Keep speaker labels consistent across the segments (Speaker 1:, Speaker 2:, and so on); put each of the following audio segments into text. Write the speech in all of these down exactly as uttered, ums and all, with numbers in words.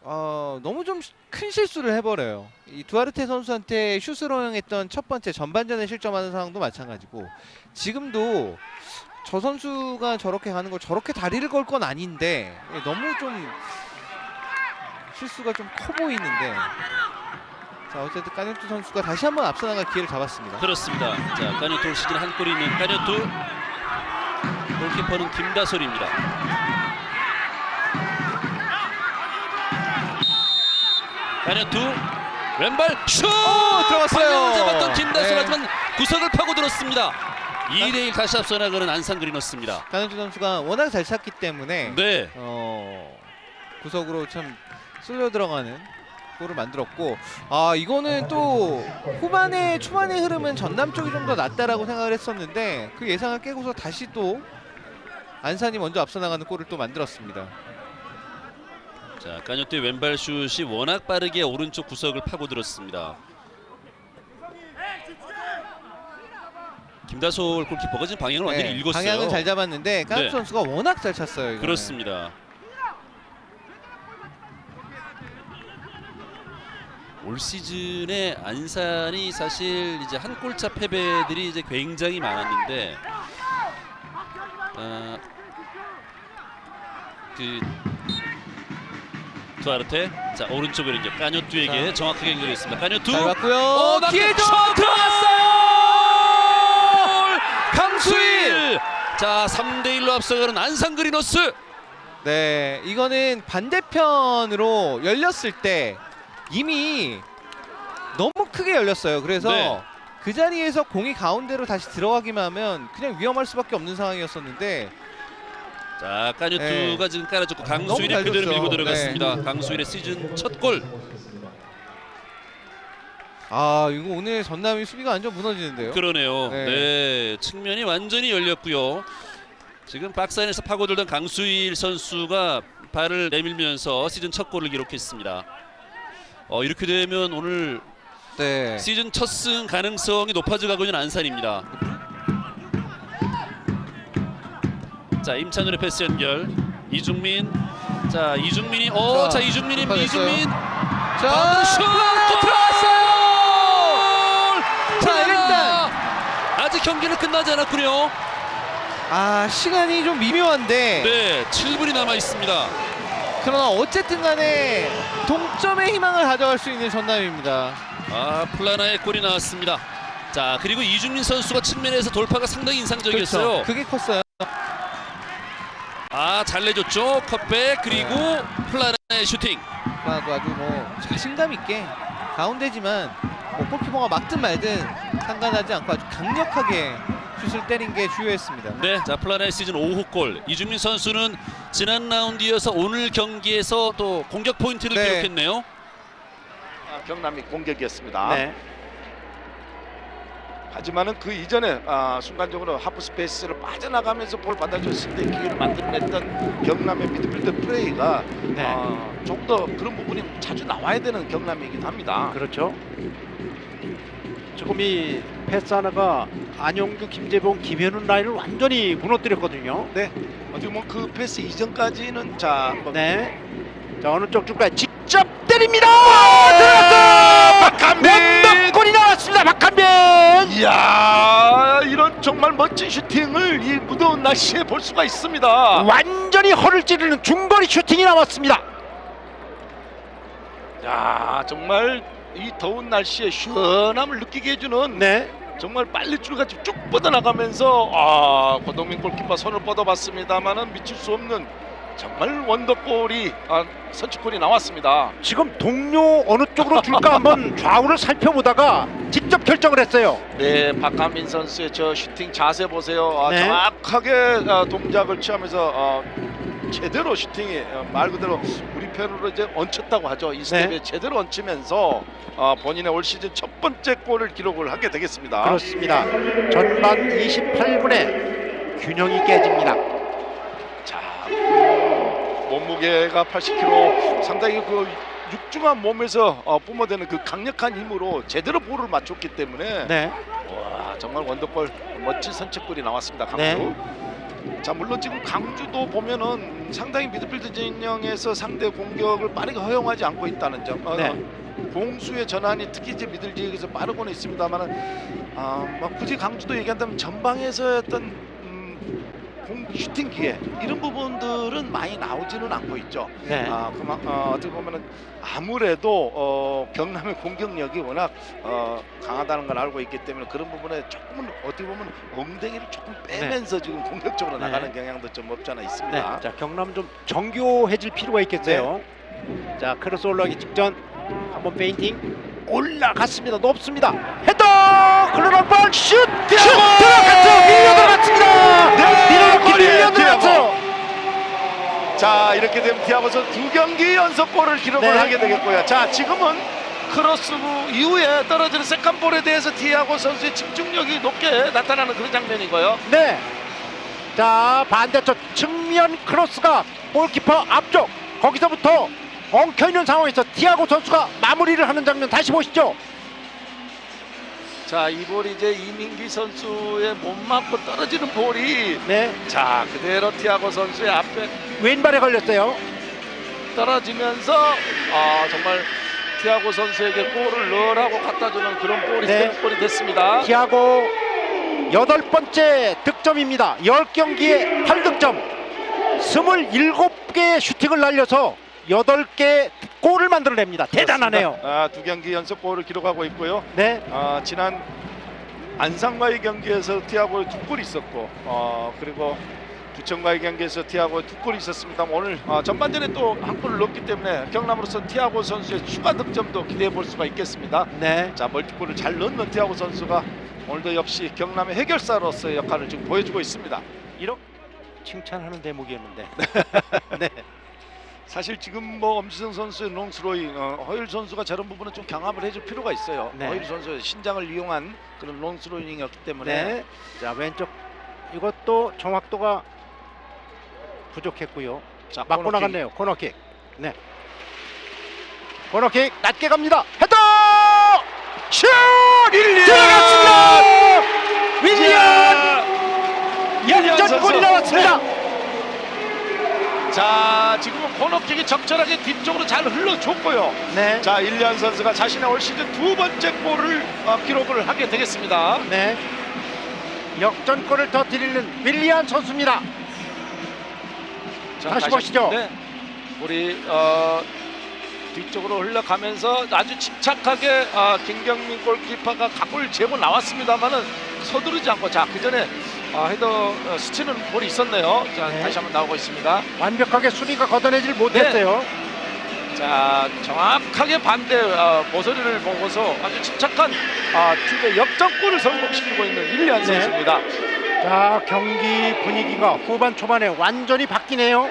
Speaker 1: 어, 너무 좀 큰 실수를 해버려요. 이 두아르테 선수한테 슛을 허용했던 첫 번째 전반전에 실점하는 상황도 마찬가지고 지금도 저 선수가 저렇게 가는 걸 저렇게 다리를 걸 건 아닌데 너무 좀 실수가 좀 커 보이는데 자 어쨌든 까뉴투 선수가 다시 한번 앞서 나갈 기회를 잡았습니다.
Speaker 2: 그렇습니다. 자, 까뉴투 올 시즌 한 골이 있는 까뉴투. 골키퍼는 김다솔입니다. 까뉴투 왼발 슛!
Speaker 1: 오, 들어갔어요.
Speaker 2: 방향을 잡았던 김다솔
Speaker 1: 네.
Speaker 2: 하지만 구석을 파고들었습니다. 이 대 일 다시 앞서 나가는 안산 그리너스입니다.
Speaker 1: 까뉴투 선수가 워낙 잘 찼기 때문에
Speaker 2: 네.
Speaker 1: 어, 구석으로 참 쓸려 들어가는 골을 만들었고 아 이거는 또 후반에 초반의 흐름은 전남 쪽이 좀 더 낫다라고 생각을 했었는데 그 예상을 깨고서 다시 또 안산이 먼저 앞서 나가는 골을 또 만들었습니다.
Speaker 2: 자, 까뉴투의 왼발 슛이 워낙 빠르게 오른쪽 구석을 파고들었습니다. 김다솔 골키퍼가 지금 방향을 완전히
Speaker 1: 네,
Speaker 2: 읽었어요.
Speaker 1: 방향은 잘 잡았는데 까뉴투
Speaker 2: 네.
Speaker 1: 선수가 워낙 잘 찼어요. 이거는.
Speaker 2: 그렇습니다. 올 시즌에 안산이 사실 이제 한 골차 패배들이 이제 굉장히 많았는데 어, 그 두아르테 자 오른쪽으로 이제 까뉴투에게
Speaker 1: 자.
Speaker 2: 정확하게 연결했습니다. 까뉴투
Speaker 1: 잘 봤고요.
Speaker 2: 오,
Speaker 1: 기회도
Speaker 2: 슛!
Speaker 1: 들어갔어요.
Speaker 2: 강수일. 자 삼 대 일로 앞서가는 안산 그리너스.
Speaker 1: 네, 이거는 반대편으로 열렸을 때 이미 너무 크게 열렸어요. 그래서
Speaker 2: 네.
Speaker 1: 그 자리에서 공이 가운데로 다시 들어가기만 하면 그냥 위험할 수밖에 없는 상황이었었는데
Speaker 2: 자 까뉴투가
Speaker 1: 네.
Speaker 2: 지금 깔아줬고
Speaker 1: 너무
Speaker 2: 강수일이
Speaker 1: 잘
Speaker 2: 그대로
Speaker 1: 줬죠.
Speaker 2: 밀고 들어갔습니다. 강수일의 시즌 첫 골.
Speaker 1: 아 이거 오늘 전남이 수비가 완전 무너지는데요.
Speaker 2: 그러네요.
Speaker 1: 네.
Speaker 2: 네. 측면이 완전히 열렸고요. 지금 박스 안에서 파고들던 강수일 선수가 발을 내밀면서 시즌 첫 골을 기록했습니다. 어, 이렇게 되면 오늘
Speaker 1: 네.
Speaker 2: 시즌 첫 승 가능성이 높아져가고 있는 안산입니다. 자 임찬우의 패스 연결. 이중민. 자 이중민이 어,
Speaker 1: 자,
Speaker 2: 자 이중민이
Speaker 1: 돌파됐어요.
Speaker 2: 이중민.
Speaker 1: 자,
Speaker 2: 슛!
Speaker 1: 또 들어갔어요. 자 일단
Speaker 2: 아직 경기는 끝나지 않았군요.
Speaker 1: 아 시간이 좀 미묘한데
Speaker 2: 네, 칠 분이 남아 있습니다.
Speaker 1: 그러나 어쨌든 간에 동점의 희망을 가져갈 수 있는 전남입니다.
Speaker 2: 아 플라나의 골이 나왔습니다. 자 그리고 이중민 선수가 측면에서 돌파가 상당히 인상적이었어요.
Speaker 1: 그렇죠. 그게 컸어요.
Speaker 2: 아 잘 내줬죠. 컷백 그리고 플라나의 슈팅.
Speaker 1: 아주 아주 뭐 자신감 있게 가운데지만 뭐 골키퍼가 막든 말든 상관하지 않고 아주 강력하게 슛을 때린 게 주요했습니다.
Speaker 2: 네, 자 플라나의 시즌 오 호 골. 이중민 선수는 지난 라운드 이어서 오늘 경기에서 또 공격 포인트를
Speaker 1: 네.
Speaker 2: 기록했네요.
Speaker 3: 아, 경남이 공격이었습니다.
Speaker 4: 네.
Speaker 3: 하지만은 그 이전에 아, 순간적으로 하프 스페이스를 빠져나가면서 볼 받아줬을 때 기회를 만들어냈던 경남의 미드필더 플레이가
Speaker 4: 네.
Speaker 3: 아, 좀 더 그런 부분이 자주 나와야 되는 경남이긴 합니다.
Speaker 4: 그렇죠. 지금 이 패스 하나가 안용규, 김재봉, 김현훈 라인을 완전히 무너뜨렸거든요.
Speaker 3: 네, 어떻게 보면 그 패스 이전까지는 자 한번
Speaker 4: 네. 자 어느 쪽 줄까요? 직접 때립니다.
Speaker 3: 들어갔어! 박한빈!
Speaker 4: 골이 나왔습니다. 박한빈.
Speaker 3: 이야, 이런 정말 멋진 슈팅을 이 무더운 날씨에 볼 수가 있습니다.
Speaker 4: 완전히 허를 찌르는 중거리 슈팅이 나왔습니다.
Speaker 3: 야, 정말 이 더운 날씨에 시원함을 느끼게 해주는
Speaker 4: 네.
Speaker 3: 정말 빨래줄같이 쭉 뻗어나가면서 아 고동민 골키퍼 손을 뻗어봤습니다만은 미칠 수 없는 정말 원더골이 아, 선취골이 나왔습니다.
Speaker 4: 지금 동료 어느 쪽으로 줄까 한번 좌우를 살펴보다가 직접 결정을 했어요.
Speaker 3: 네, 박한민 선수의 저 슈팅 자세 보세요. 아,
Speaker 4: 네.
Speaker 3: 정확하게 아, 동작을 취하면서 아, 제대로 슈팅이 아, 말 그대로 우리 편으로 이제 얹혔다고 하죠. 이 스텝에
Speaker 4: 네.
Speaker 3: 제대로 얹히면서 아, 본인의 올 시즌 첫 번째 골을 기록을 하게 되겠습니다.
Speaker 4: 그렇습니다. 전반 이십팔 분에 균형이 깨집니다.
Speaker 3: 자, 몸무게가 팔십 킬로그램, 상당히 그 육중한 몸에서 어, 뿜어대는 그 강력한 힘으로 제대로 볼을 맞췄기 때문에
Speaker 4: 네.
Speaker 3: 와 정말 원더골 멋진 선취골이 나왔습니다. 강수.
Speaker 4: 네.
Speaker 3: 자 물론 지금 강주도 보면은 상당히 미드필드 진영에서 상대 공격을 빠르게 허용하지 않고 있다는 점. 어,
Speaker 4: 네.
Speaker 3: 공수의 전환이 특히 이제 미들 지역에서 빠르고는 있습니다만은 아, 뭐 굳이 강주도 얘기한다면 전방에서 어떤 음, 공 슈팅 기회 이런 부분들은 많이 나오지는 않고 있죠.
Speaker 4: 네.
Speaker 3: 아, 그만 어, 어떻게 보면은 아무래도 어, 경남의 공격력이 워낙 어, 강하다는 걸 알고 있기 때문에 그런 부분에 조금은 어떻게 보면 엉덩이를 조금 빼면서 지금 공격적으로
Speaker 4: 네.
Speaker 3: 나가는 경향도 좀 없지 않아
Speaker 4: 네.
Speaker 3: 있습니다.
Speaker 4: 자, 경남 좀 정교해질 필요가 있겠어요. 자, 크로스 올라가기 직전 한번 페인팅 올라갔습니다. 높습니다. 헤더! 클로런 볼 슛! 슛! 들어갔죠! 밀려 들어갔습니다! 밀어넣기 밀려 들어갔어요!
Speaker 3: 자 이렇게 되면 티아고 선수 두 경기 연속 골을 기록을
Speaker 4: 네.
Speaker 3: 하게 되겠고요. 자 지금은 크로스 이후에 떨어지는 세컨볼에 대해서 티아고 선수의 집중력이 높게 나타나는 그런 장면이고요.
Speaker 4: 네. 자, 반대쪽 측면 크로스가 골키퍼 앞쪽 거기서부터 엉켜있는 상황에서 티아고 선수가 마무리를 하는 장면 다시 보시죠.
Speaker 3: 자 이 볼이 이제 이민기 선수의 몸 맞고 떨어지는 볼이
Speaker 4: 네.
Speaker 3: 자 그대로 티아고 선수의 앞에
Speaker 4: 왼발에 걸렸어요.
Speaker 3: 떨어지면서 아 정말 티아고 선수에게 골을 넣으라고 갖다주는 그런 볼이
Speaker 4: 네.
Speaker 3: 볼이 됐습니다.
Speaker 4: 티아고 여덟 번째 득점입니다. 열 경기에 팔 득점. 스물일곱 개의 슈팅을 날려서 여덟 개 골을 만들어냅니다. 대단하네요.
Speaker 3: 아, 두 경기 연속 골을 기록하고 있고요.
Speaker 4: 네.
Speaker 3: 아, 지난 안산과의 경기에서 티아고의 두 골이 있었고 어, 그리고 부천과의 경기에서 티아고의 두 골이 있었습니다. 오늘 어, 전반전에 또 한 골을 넣었기 때문에 경남으로서 티아고 선수의 추가 득점도 기대해 볼 수가 있겠습니다.
Speaker 4: 네.
Speaker 3: 자 멀티골을 잘 넣는 티아고 선수가 오늘도 역시 경남의 해결사로서의 역할을 지금 보여주고 있습니다.
Speaker 4: 이렇게 칭찬하는 대목이었는데.
Speaker 3: 네. 사실 지금 뭐 엄지성 선수의 롱스로잉, 어, 허율 선수가 저런 부분은 좀 경합을 해줄 필요가 있어요.
Speaker 4: 네.
Speaker 3: 허율 선수의 신장을 이용한 그런 롱스로잉이었기 때문에
Speaker 4: 네. 자, 왼쪽 이것도 정확도가 부족했고요.
Speaker 3: 자,
Speaker 4: 맞고
Speaker 3: 코너킥.
Speaker 4: 나갔네요. 코너킥. 네. 코너킥 낮게 갑니다. 헤더! 슛!
Speaker 3: 윌리안!
Speaker 4: 들어갔습니다! 윌리안!
Speaker 3: 윌리안
Speaker 4: 역전골이
Speaker 3: 선수.
Speaker 4: 나왔습니다.
Speaker 3: 네. 자 지금은 코너킥이 적절하게 뒤쪽으로 잘 흘러줬고요.
Speaker 4: 네.
Speaker 3: 자 일리안 선수가 자신의 올 시즌 두 번째 골을 어, 기록을 하게 되겠습니다.
Speaker 4: 네. 역전골을 터뜨리는 윌리안 선수입니다.
Speaker 3: 자,
Speaker 4: 다시 보시죠.
Speaker 3: 네. 우리 어, 뒤쪽으로 흘러가면서 아주 침착하게 어, 김경민 골키퍼가 각골을 재고 나왔습니다만은 서두르지 않고 자 그 전에 어, 헤더 어, 스치는 볼이 있었네요. 자
Speaker 4: 네.
Speaker 3: 다시 한번 나오고 있습니다.
Speaker 4: 완벽하게 수비가 걷어내질 못했어요.
Speaker 3: 자 정확하게 반대 어, 모서리를 보고서 아주 침착한 어, 팀의 역전골을 성공시키고 있는 윌리안
Speaker 4: 네.
Speaker 3: 선수입니다.
Speaker 4: 자, 경기 분위기가 후반 초반에 완전히 바뀌네요.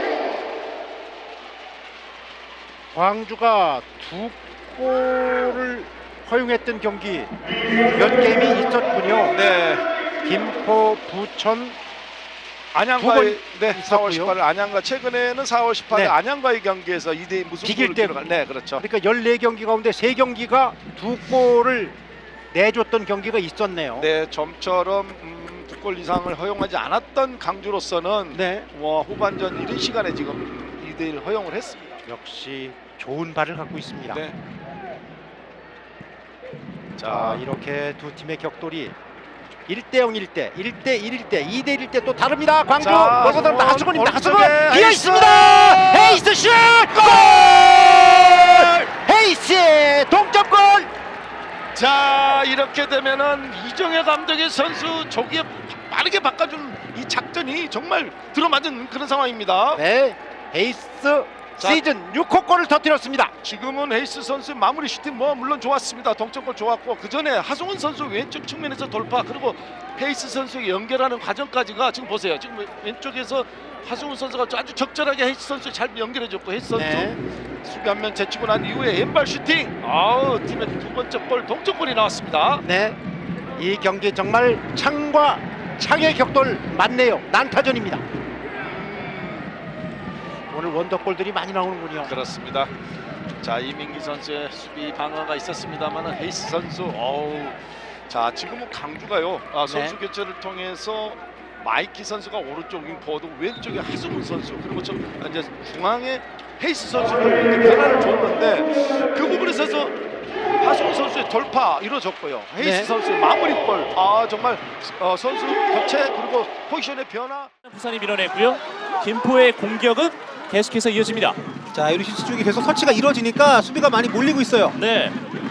Speaker 4: 광주가 두 골을 허용했던 경기 몇 게임이 있었군요.
Speaker 3: 네.
Speaker 4: 김포, 부천,
Speaker 3: 안양과의 네,
Speaker 4: 있었고요.
Speaker 3: 사월 십팔일 안양과 최근에는 사월 십팔일
Speaker 4: 네.
Speaker 3: 안양과의 경기에서 이 대 이 무승부를
Speaker 4: 비길 때.
Speaker 3: 기록한 네, 그렇죠.
Speaker 4: 그러니까 열네 경기 가운데 세 경기가 두 골을 내줬던 경기가 있었네요.
Speaker 3: 네, 좀처럼 음, 두 골 이상을 허용하지 않았던 강주로서는
Speaker 4: 네.
Speaker 3: 뭐 후반전 이른 시간에 지금 이 대 일 허용을 했습니다.
Speaker 4: 역시 좋은 발을 갖고 있습니다.
Speaker 3: 네.
Speaker 4: 자,
Speaker 3: 자,
Speaker 4: 이렇게 두 팀의 격돌이 일 대 영 일 대, 일 대 일일 때, 이 대 일일 때 또 다릅니다. 광주
Speaker 3: 자,
Speaker 4: 몰고 들어갑니다. 하수근입니다. 하수근
Speaker 3: 오른쪽에
Speaker 4: 비어
Speaker 3: 헤이스!
Speaker 4: 있습니다. 헤이스 슛! 골! 헤이스의 동점골!
Speaker 3: 자 이렇게 되면은 이정혜 감독의 선수 조기에 빠르게 바꿔준 이 작전이 정말 들어맞은 그런 상황입니다.
Speaker 4: 네, 헤이스
Speaker 3: 자,
Speaker 4: 시즌 육 호 골을 터뜨렸습니다.
Speaker 3: 지금은 헤이스 선수의 마무리 슈팅 뭐 물론 좋았습니다. 동점골 좋았고 그 전에 하성훈 선수 왼쪽 측면에서 돌파 그리고 헤이스 선수에게 연결하는 과정까지가 지금 보세요. 지금 왼쪽에서 하성훈 선수가 아주 적절하게 헤이스 선수 잘 연결해줬고 헤이스 선수
Speaker 4: 네.
Speaker 3: 수비 한 명 제치고 난 이후에 왼발 슈팅. 아우 팀의 두 번째 골 동점골이 나왔습니다.
Speaker 4: 네, 이 경기 정말 창과 창의 격돌 맞네요. 난타전입니다. 오늘 원더골들이 많이 나오는군요.
Speaker 3: 그렇습니다. 자 이민기 선수의 수비 방어가 있었습니다만은 헤이스 선수 어우 자 지금은 강주가요 아, 선수
Speaker 4: 네.
Speaker 3: 교체를 통해서 마이키 선수가 오른쪽 윙포워드, 왼쪽에 하수근 선수, 그리고 저 이제 중앙에 헤이스 선수가 이렇게 변화를 줬는데 그 부분에 있어서 하수근 선수의 돌파 이루어졌고요. 헤이스
Speaker 1: 네.
Speaker 3: 선수의 마무리볼, 아 정말 어, 선수 교체 그리고 포지션의 변화.
Speaker 5: 부산이 밀어냈고요. 김포의 공격은 계속해서 이어집니다.
Speaker 6: 자, 유리시스 쪽이 계속 터치가 이루어지니까 수비가 많이 몰리고 있어요.
Speaker 5: 네.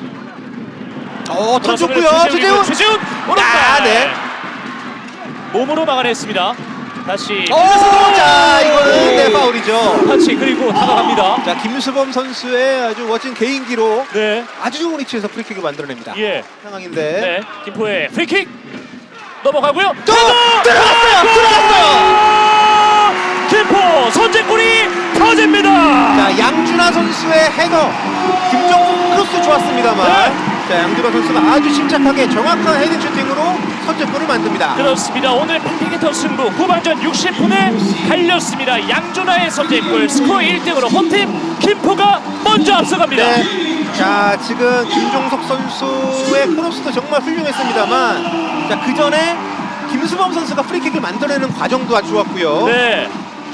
Speaker 6: 어, 던졌고요.
Speaker 5: 최재훈,
Speaker 6: 최재훈.
Speaker 5: 최재훈 오른발.
Speaker 6: 아, 네.
Speaker 5: 몸으로 막아냈습니다. 다시
Speaker 6: 오, 자, 이거는 네, 파울이죠.
Speaker 5: 터치 그리고 다가갑니다.
Speaker 6: 자, 김수범 선수의 아주 멋진 개인기로
Speaker 5: 네.
Speaker 6: 아주 좋은 위치에서 프리킥을 만들어냅니다.
Speaker 5: 예.
Speaker 6: 상황인데.
Speaker 5: 네. 김포의 프리킥 넘어가고요.
Speaker 6: 또 들어갔어요. 들어갔어요.
Speaker 5: 김포 선제골이 터집니다.
Speaker 6: 자, 양준하 선수의 헤더. 김정국 크로스 좋았습니다만.
Speaker 5: 네.
Speaker 6: 자, 양준하 선수가 아주 침착하게 정확한 헤딩 슈팅으로 선제골을 만듭니다.
Speaker 5: 그렇습니다. 오늘 팽팽했던 승부 후반전 육십 분에 달렸습니다. 양준하의 선제골 스코어 일 등으로 홈팀 김포가 먼저 앞서갑니다.
Speaker 6: 네. 자, 지금 김종석 선수의 크로스도 정말 훌륭했습니다만, 자, 그 전에 김수범 선수가 프리킥을 만들어내는 과정도 아주 좋았고요.
Speaker 5: 네.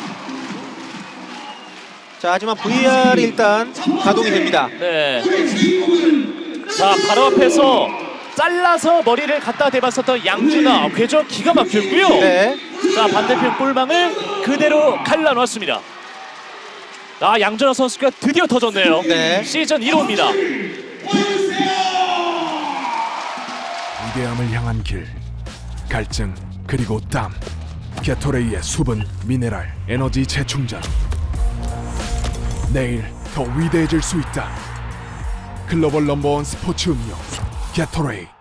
Speaker 6: 자, 하지만 브이알이 일단 가동이 됩니다.
Speaker 5: 네. 자, 바로 앞에서 잘라서 머리를 갖다 대봤었던 양준하 궤적 기가 막혔고요.
Speaker 6: 네.
Speaker 5: 자, 반대편 골망을 그대로 갈라놓았습니다. 아, 양준하 선수가 드디어 터졌네요.
Speaker 6: 네.
Speaker 5: 시즌 일 호입니다.
Speaker 7: 위대함을 향한 길, 갈증 그리고 땀, 게토레이의 수분, 미네랄, 에너지 재충전. 내일 더 위대해질 수 있다. 글로벌 넘버원 스포츠 음료 게토레이.